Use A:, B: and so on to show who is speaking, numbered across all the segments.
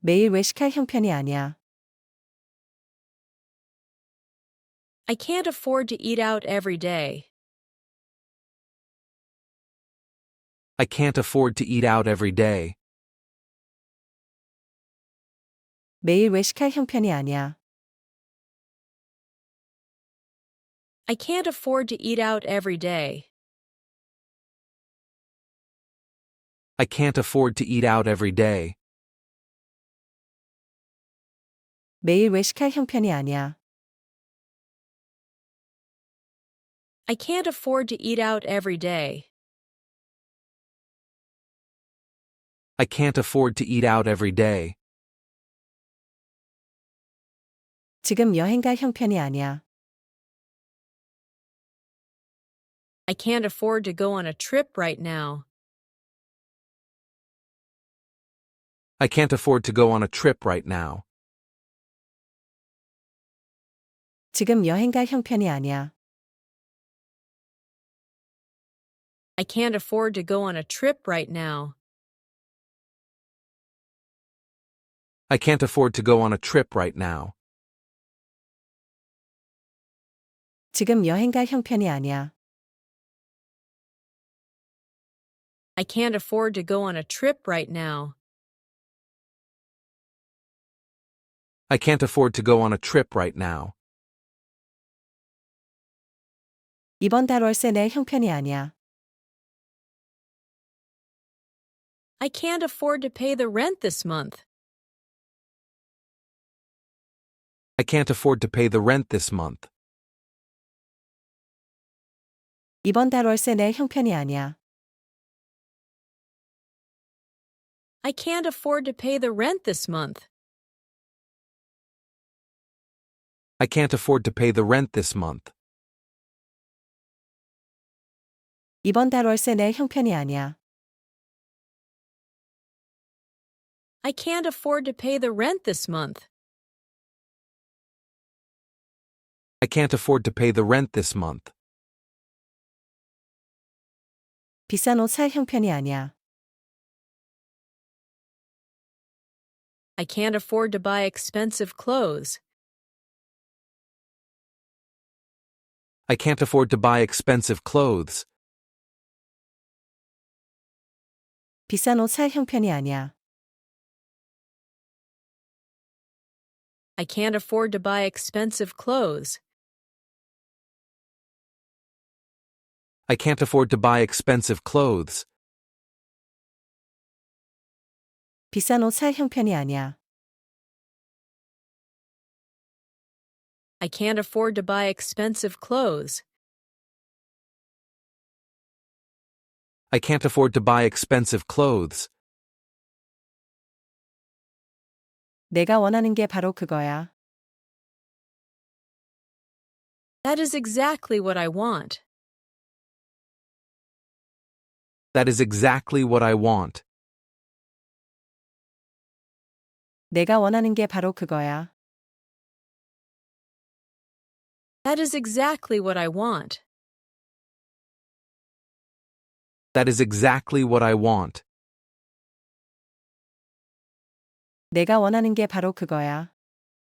A: 매일 외식할 형편이 아니야.
B: I can't afford to eat out every day.
C: I can't afford to eat out every day.
A: 매일 외식할 형편이 아니야.
B: I can't afford to eat out every day.
C: I can't afford to eat out every day.
A: 매일 외식할 형편이 아니야.
B: I can't afford to eat out every day.
C: I can't afford to eat out every day.
A: 지금 여행 갈 형편이 아니야.
B: I can't afford to go on a trip right now.
C: I can't afford to go on a trip right now.
A: 지금 여행 갈 형편이 아니야.
B: I can't afford to go on a trip right now.
C: I can't afford to go on a trip right now.
A: 지금 여행 갈 형편이 아니야.
B: I can't afford to go on a trip right now.
C: I can't afford to go on a trip right now.
A: 이번 달 월세 낼 형편이 아니야.
B: I can't afford to pay the rent this month.
C: I can't afford to pay the rent this month.
A: 이번 달 월세 낼 형편이 아니야.
B: I can't afford to pay the rent this month.
C: I can't afford to pay the rent this month.
A: 이번 달 월세 낼 형편이 아니야.
B: I can't afford to pay the rent this month.
C: I can't afford to pay the rent this month.
A: 비싼 옷 살 형편이 아니야.
B: I can't afford to buy expensive clothes.
C: I can't afford to buy expensive clothes.
A: 비싼 옷 살 형편이 아니야.
B: I can't afford to buy expensive clothes.
C: I can't afford to buy expensive clothes.
A: 비싼 옷 살 형편이 아니야.
B: I can't afford to buy expensive clothes.
C: I can't afford to buy expensive clothes.
A: 내가 원하는 게 바로 그거야.
B: That is exactly what I want.
C: That is exactly what I want.
A: 내가 원하는 게 바로 그거야.
B: That is exactly what I want.
C: That is exactly what I want.
A: 내가 원하는 게 바로 그거야.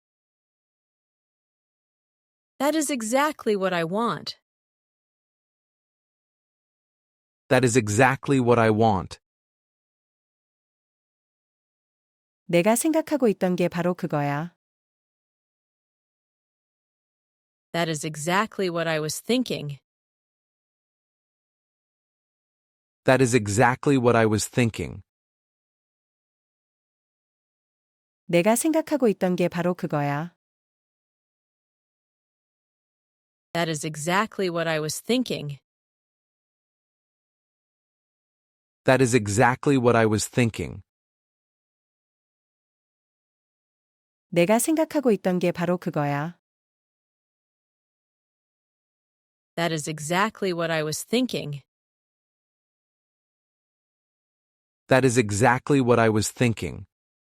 B: That is exactly what I want.
C: That is exactly what I want.
A: 내가 생각하고 있던 게 바로 그거야.
B: That is exactly what I was thinking.
C: That is exactly what I was thinking.
A: 내가 생각하고 있던 게 바로 그거야.
B: That is exactly what I was thinking.
C: That is exactly what I was thinking.
A: 내가 생각하고 있던 게 바로 그거야.
B: That is exactly what I was thinking.
C: That is exactly what I was thinking.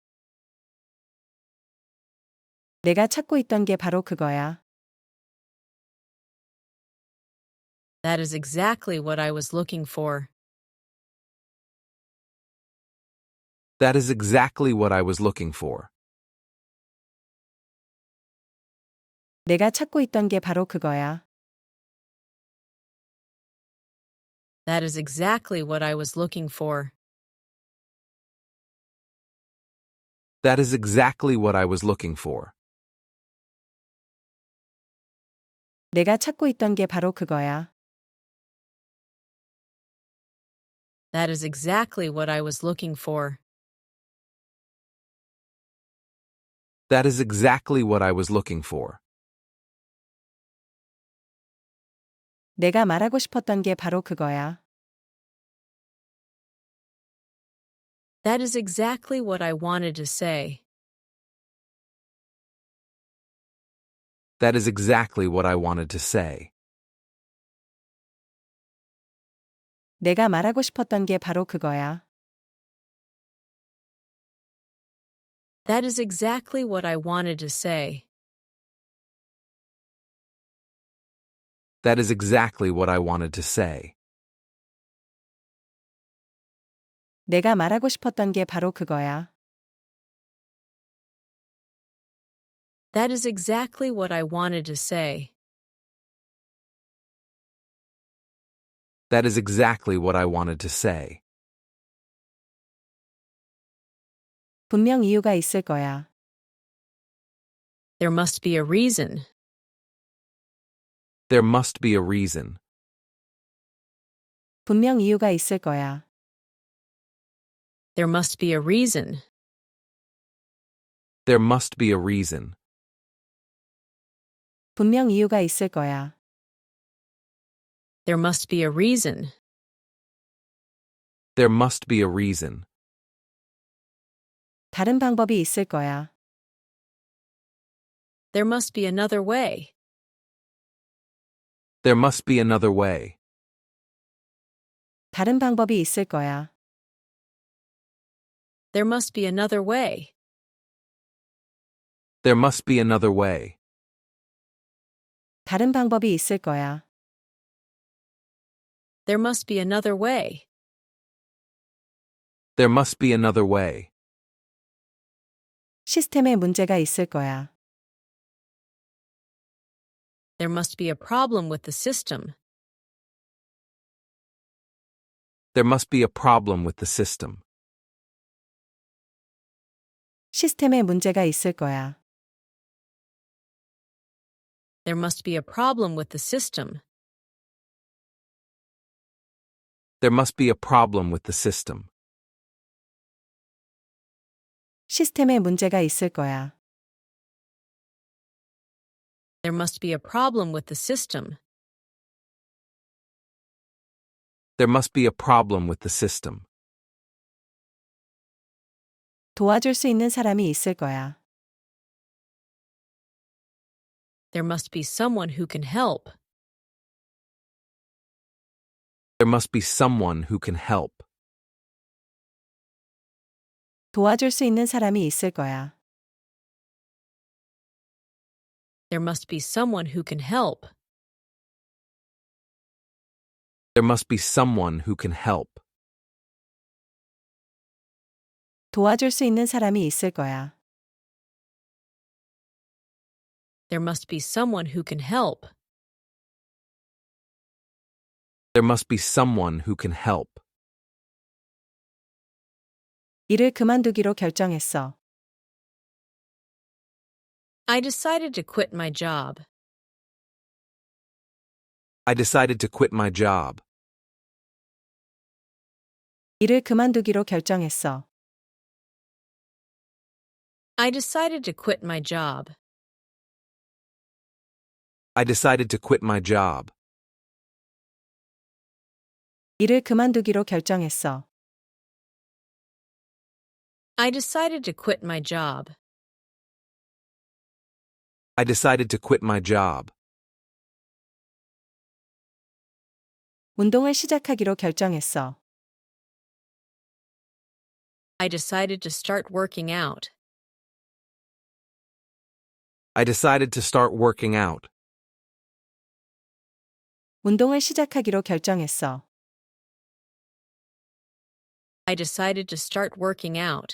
A: 내가 찾고 있던 게 바로 그거야.
B: That is exactly what I was looking for.
C: That is exactly what I was looking for.
A: 내가 찾고 있던 게 바로 그거야.
B: That is exactly what I was looking for.
C: That is exactly what I was looking for.
A: 내가 찾고 있던 게 바로 그거야.
B: That is exactly what I was looking for.
C: That is exactly what I was looking for.
A: 내가 말하고 싶었던 게 바로 그거야.
B: That is exactly what I wanted to say.
C: That is exactly what I wanted to say.
A: 내가 말하고 싶었던 게 바로 그거야.
B: That is exactly what I wanted to say.
C: That is exactly what I wanted to say.
A: 내가 말하고 싶었던 게 바로 그거야.
B: That is exactly what I wanted to say.
C: That is exactly what I wanted to say.
A: 분명 이유가 있을 거야.
B: There must be a reason.
C: There must be a reason.
A: 분명 이유가 있을 거야.
B: There must be a reason.
C: There must be a reason.
A: 분명 이유가 있을 거야.
B: There must be a reason.
C: There must be a reason.
A: 다른 방법이 있을 거야.
B: There must be another way.
C: There must be another way.
A: 다른 방법이 있을 거야.
B: There must be another way.
C: There must be another way.
A: 다른 방법이 있을 거야.
B: There must be another way.
C: There must be another way.
A: 시스템에 문제가 있을 거야.
B: There must be a problem with the system.
C: There must be a problem with the system.
A: 시스템에 문제가 있을 거야.
B: There must be a problem with the system.
C: There must be a problem with the system.
A: 시스템에 문제가 있을 거야.
B: There must be a problem with the system.
C: There must be a problem with the system.
A: 도와줄 수 있는 사람이 있을 거야.
B: There must be someone who can help.
C: There must be someone who can help.
A: 도와줄 수 있는 사람이 있을 거야.
B: There must be someone who can help.
C: There must be someone who can help.
A: 도와줄 수 있는 사람이 있을 거야.
B: There must be someone who can help.
C: There must be someone who can help.
A: 일을 그만두기로 결정했어.
B: I decided to quit my job.
C: I decided to quit my job.
A: 일을 그만두기로 결정했어.
B: I decided to quit my job.
C: I decided to quit my job.
A: 일을 그만두기로 결정했어.
B: I decided to quit my job.
C: I decided to quit my job.
A: 운동을 시작하기로 결정했어.
B: I decided to start working out.
C: I decided to start working out.
A: 운동을 시작하기로 결정했어.
B: I decided to start working out.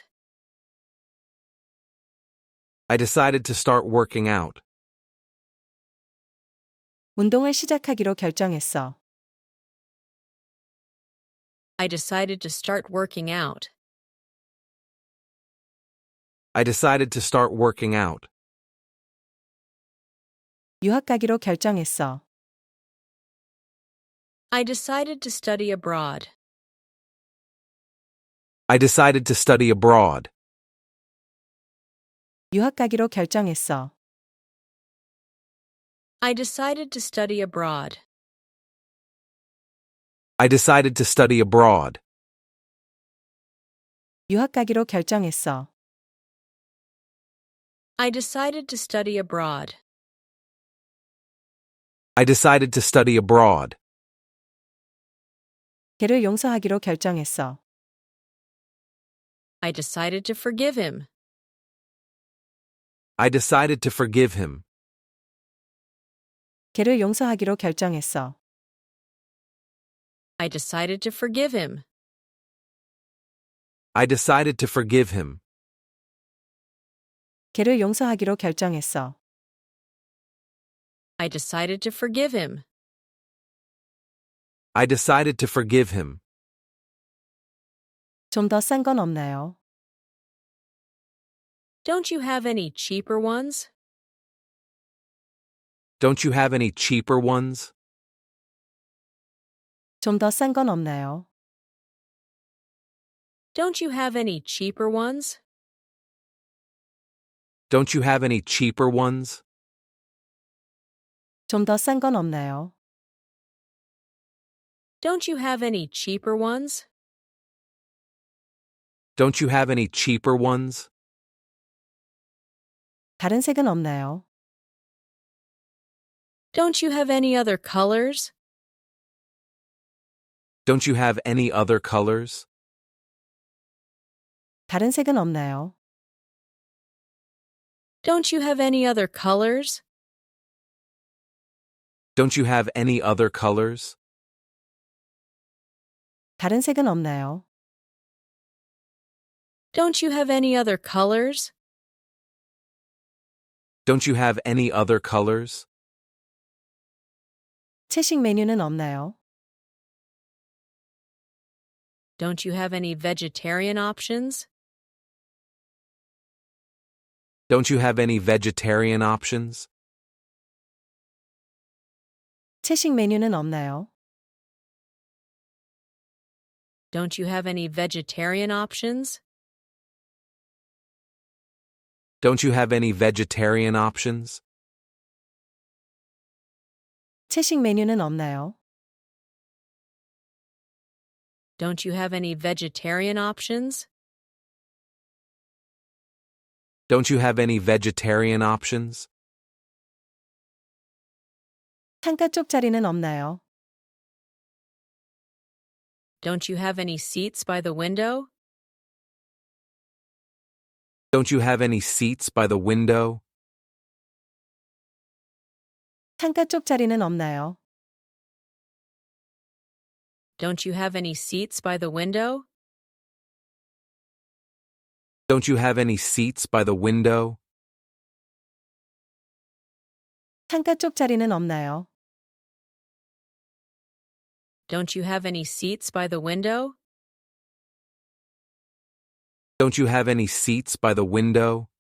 C: I decided to start working out.
A: 운동을 시작하기로 결정했어.
B: I decided to start working out.
C: I decided to start working out.
A: 유학 가기로 결정했어.
B: I decided to study abroad.
C: I decided to study abroad.
A: 유학 가기로 결정했어.
B: I decided to study abroad.
C: I decided to study abroad.
A: 유학 가기로 결정했어.
B: I decided to study abroad.
C: I decided to study abroad.
A: 걔를 용서하기로 결정했어.
B: I decided to forgive him.
C: I decided to forgive him.
A: 걔를 용서하기로 결정했어.
B: I decided to forgive him.
C: I decided to forgive him.
A: 걔를 용서하기로 결정했어.
B: I decided to forgive him.
C: I decided to forgive him.
A: 좀 더 싼 건 없나요?
B: Don't you have any cheaper ones?
C: Don't you have any cheaper ones?
A: 좀 더 싼 건 없나요?
B: Don't you have any cheaper ones?
C: Don't you have any cheaper ones?
A: 좀 더 싼 건 없나요?
B: Don't you have any cheaper ones?
C: Don't you have any cheaper ones?
A: 다른 색은 없나요?
B: Don't you have any other colors?
C: Don't you have any other colors?
A: 다른 색은 없나요?
B: Don't you have any other colors?
C: Don't you have any other colors?
A: 다른 색은 없나요?
B: Don't you have any other colors?
C: Don't you have any other colors?
A: 채식 메뉴는 없나요?
B: Don't you have any vegetarian options?
C: Don't you have any vegetarian options?
A: 채식 메뉴는 없나요?
B: Don't you have any vegetarian options?
C: Don't you have any vegetarian options?
A: 채식 메뉴는 없나요?
B: Don't you have any vegetarian options?
C: Don't you have any vegetarian options?
A: 창가 쪽 자리는 없나요?
B: Don't you have any seats by the window?
C: Don't you have any seats by the window?
A: 창가 쪽 자리는 없나요?
B: Don't you have any seats by the window?
C: Don't you have any seats by the window?
A: 창가 쪽 자리는 없나요?
B: Don't you have any seats by the window?
C: Don't you have any seats by the window?